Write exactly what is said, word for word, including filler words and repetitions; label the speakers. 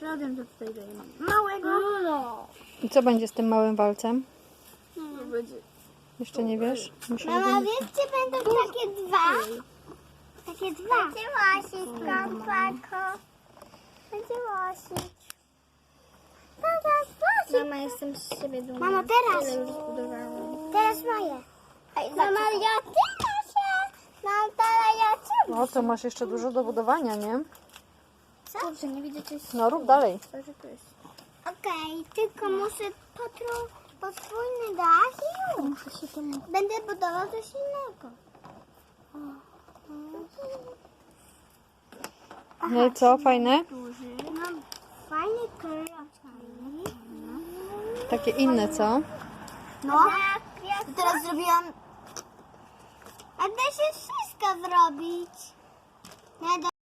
Speaker 1: Ja wiem, co tutaj dajemy. Małego. No.
Speaker 2: I co będzie z tym małym walcem?
Speaker 1: To będzie...
Speaker 2: Jeszcze nie wiesz? Muszę
Speaker 3: Mama,
Speaker 2: go-
Speaker 3: wiesz, gdzie będą takie dwa? Takie dwa. Będzie łasić, kompako. Będzie łasić.
Speaker 1: Mama, jestem z siebie dumna.
Speaker 3: Mama, teraz.
Speaker 1: Tyle już zbudowałam.
Speaker 3: Teraz moje. Mama, ja ty się. Mam teraz ja cię.
Speaker 2: No to masz jeszcze dużo do budowania, nie?
Speaker 1: Dobrze, nie widzę, czy jest...
Speaker 2: No rób dalej.
Speaker 1: Co, że to jest?
Speaker 3: Okej, tylko muszę potru, podwójny dach i już.
Speaker 1: Muszę się temu...
Speaker 3: Będę budował coś innego.
Speaker 2: No i co, fajne?
Speaker 3: Duży. Mam fajny kolorki.
Speaker 2: Takie inne, co?
Speaker 3: No, to teraz zrobiłam... A da się wszystko zrobić. Nie da